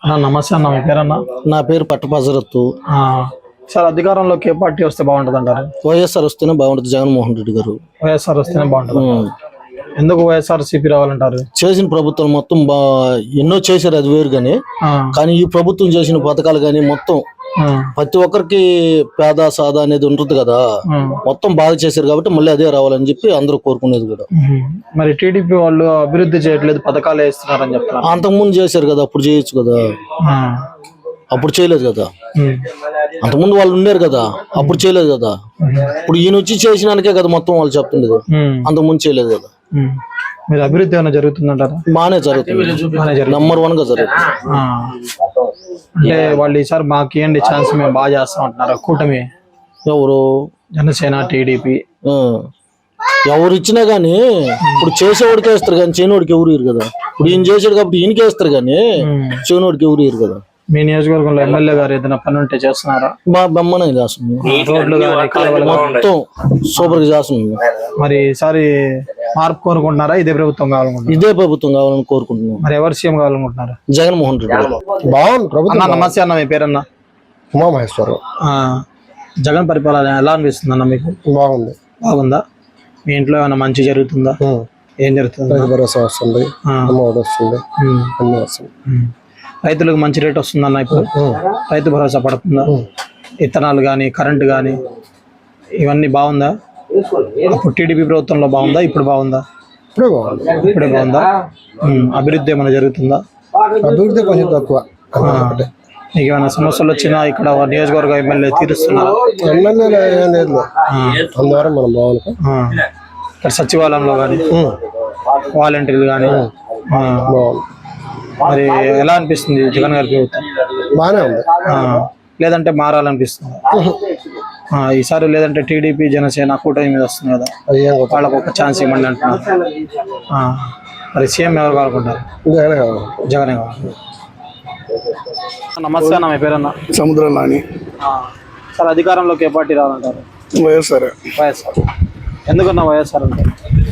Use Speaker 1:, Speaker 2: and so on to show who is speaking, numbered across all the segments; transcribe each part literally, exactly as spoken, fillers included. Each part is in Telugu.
Speaker 1: నమస్తే అన్న, మీ పేరన్నా?
Speaker 2: నా పేరు పట్టపజరత్తు.
Speaker 1: సార్, అధికారంలోకి ఏ పార్టీ వస్తే బాగుంటుంది అంటారు?
Speaker 2: వైఎస్ఆర్ వస్తేనే బాగుంటుంది. జగన్మోహన్ రెడ్డి గారు
Speaker 1: వైఎస్ఆర్ వస్తేనే బాగుంటుంది. ఎందుకు వైఎస్ఆర్ సిపి రావాలంటారు?
Speaker 2: చేసిన ప్రభుత్వం మొత్తం బా ఎన్నో చేశారు, అది వేరు కానీ కానీ ఈ ప్రభుత్వం చేసిన పథకాలు కానీ మొత్తం ప్రతి ఒక్కరికి పేద సాదా అనేది ఉంటుంది కదా, మొత్తం బాగా చేశారు కాబట్టి మళ్ళీ అదే రావాలని చెప్పి అందరూ కోరుకునేది కూడా.
Speaker 1: మరి టీడీపీ వాళ్ళు అభివృద్ధి చేయట్లేదు, పథకాలు వేస్తున్నారని చెప్తారు.
Speaker 2: అంతకుముందు చేశారు కదా, అప్పుడు చేయొచ్చు కదా. అప్పుడు చేయలేదు కదా, అంతకుముందు వాళ్ళు ఉన్నారు కదా, అప్పుడు చేయలేదు కదా. ఇప్పుడు ఈయన వచ్చి చేసినానికే కదా మొత్తం వాళ్ళు చెప్తుండేది, అంతకుముందు చేయలేదు కదా.
Speaker 1: మీరు అభివృద్ధి ఏమైనా జరుగుతుందంటారా?
Speaker 2: బాగానే జరుగుతుంది, నెంబర్ వన్ గా జరుగుతుంది.
Speaker 1: అంటే వాళ్ళు ఈసారి మాకు ఇవ్వండి ఛాన్స్, మేము బాగా చేస్తాం అంటున్నారు. కూటమి
Speaker 2: ఎవరు?
Speaker 1: జనసేన, టీడీపీ
Speaker 2: ఎవరు ఇచ్చినా గానీ ఇప్పుడు చేసేవాడికి వేస్తారు కానీ చేయనోడికి ఎవరు ఇరు కదా. ఇప్పుడు ఈయన చేసాడు కాబట్టి ఈయనకి వేస్తారు కానీ చేయనోడికి ఎవరు ఇరు కదా.
Speaker 1: మీ నియోజకవర్గంలో ఎమ్మెల్యే గారు ఏదైనా పని ఉంటే చేస్తున్నారా?
Speaker 2: మా బొమ్మనే చేస్తుంది,
Speaker 1: రోడ్లు
Speaker 2: మొత్తం సూపర్ గా చేస్తుంది.
Speaker 1: మరి ఈసారి మార్పు కోరుకుంటున్నారా? ఇదే ప్రభుత్వం కావాలనుకుంటున్నారు?
Speaker 2: ఇదే ప్రభుత్వం కావాలని కోరుకుంటున్నాం.
Speaker 1: మరి ఎవరు సీఎం కావాలనుకుంటున్నారు?
Speaker 2: జగన్మోహన్ రెడ్డి.
Speaker 3: బాగుంది ప్రభుత్వం.
Speaker 1: నమస్తే అన్న, మీ పేరన్నా?
Speaker 3: ఉమామహేశ్వరరావు.
Speaker 1: జగన్ పరిపాలన ఎలా అనిపిస్తుంది అన్న మీకు?
Speaker 3: బాగుంది.
Speaker 1: బాగుందా? మీ ఇంట్లో ఏమైనా మంచి జరుగుతుందా? ఏం జరుగుతుంది?
Speaker 3: రైతు భరోసా వస్తుంది, అమ్మఒడి వస్తుంది, అన్ని వస్తుంది.
Speaker 1: రైతులకు మంచి రేట్ వస్తుందన్న ఇప్పుడు? రైతు భరోసా పడుతుందా? విత్తనాలు కానీ కరెంటు కానీ ఇవన్నీ బాగుందా? అప్పుడు టీడీపీ ప్రభుత్వంలో బాగుందా, ఇప్పుడు బాగుందా?
Speaker 3: ఇప్పుడే బాగుంది.
Speaker 1: ఇప్పుడే బాగుందా? అభివృద్ధి ఏమైనా జరుగుతుందా?
Speaker 3: అభివృద్ధి కొంచెం తక్కువ.
Speaker 1: మీకు ఏమైనా సమస్యలు వచ్చినా ఇక్కడ నియోజకవర్గ ఎమ్మెల్యే తీరుస్తున్నారు?
Speaker 3: ఎమ్మెల్యేలు ఏం లేదు, అందువల్ల మనం బాగుంది.
Speaker 1: ఇక్కడ సచివాలయంలో కానీ వాలంటీర్లు కానీ
Speaker 3: బాగుంది.
Speaker 1: మరి ఎలా అనిపిస్తుంది జగన్ గారి ప్రభుత్వం?
Speaker 3: బాగానే ఉంది.
Speaker 1: లేదంటే మారాలనిపిస్తుంది ఈసారి? లేదంటే టీడీపీ జనసేన కూటమి మీద వస్తుంది కదా, వాళ్ళకు ఒక ఛాన్స్ ఇవ్వండి అంటున్నారు. మరి సీఎం ఎవరు కావాలనుకుంటారు? జగనే కావాలి. నమస్తే అన్న, మీ పేరన్నా?
Speaker 3: సముద్రం నాని.
Speaker 1: సార్, అధికారంలోకి ఏ పార్టీ రావాలంటారు?
Speaker 3: వైఎస్ఆర్.
Speaker 1: వైఎస్ఆర్. ఎందుకన్నా వైఎస్ఆర్ అంటారు?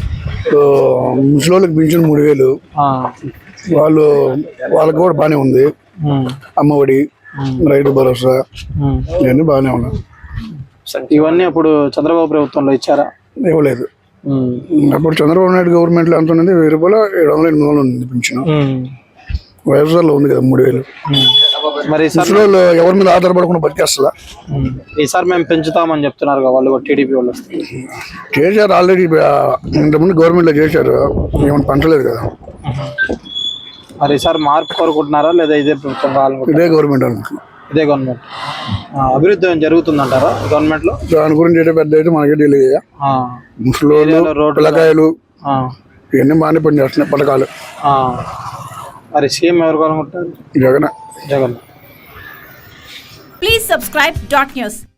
Speaker 3: ముసలోళ్ళకి పింఛన్ మూడు వేలు, వాళ్ళు వాళ్ళకి కూడా బాగానే ఉంది. అమ్మఒడి, రైతు భరోసా ఇవన్నీ బాగానే ఉన్నాయి.
Speaker 1: ఇవన్నీ అప్పుడు చంద్రబాబు ప్రభుత్వంలో ఇచ్చారా? ఇవ్వలేదు.
Speaker 3: అప్పుడు చంద్రబాబు నాయుడు గవర్నమెంట్ లో ఎంత ఉంది? వెయ్యి రూపాయలు ఏడు వందల ఎనిమిది వందలు ఉంది పింఛన్. వైఎస్ఆర్ లో ఉంది కదా మూడు వేలు.
Speaker 1: మరి
Speaker 3: ముసలోళ్ళు ఎవరి మీద ఆధారపడకుండా బతికేస్తా.
Speaker 1: ఈసారి మేము పెంచుతామని చెప్తున్నారు వాళ్ళు, టీడీపీ వాళ్ళు
Speaker 3: చేశారు ఆల్రెడీ. ఇంతకుముందు గవర్నమెంట్ లో చేశారు, ఏమైనా పంచలేదు కదా.
Speaker 1: మరి ఈసారి మార్పు కోరుకుంటున్నారా లేదా ఇదే ప్రభుత్వం కావాలనుకుంటున్నారా?
Speaker 3: ఇదే గవర్నమెంట్ అనుకుంటున్నా.
Speaker 1: ఇదే గవర్నమెంట్. అభివృద్ధి జరుగుతుందంటారా గవర్నమెంట్ లో?
Speaker 3: దాని గురించి అయితే పెద్ద అయితే మనకే తెలియదు. ముసలోళ్ళు, పిల్లకాయలు ఇవన్నీ బాగానే పని చేస్తున్నాయి పథకాలు.
Speaker 1: మరి సీఎం ఎవరు కావాలనుకుంటారు?
Speaker 3: Jagan.
Speaker 1: Jagan.
Speaker 4: Please subscribe dot news.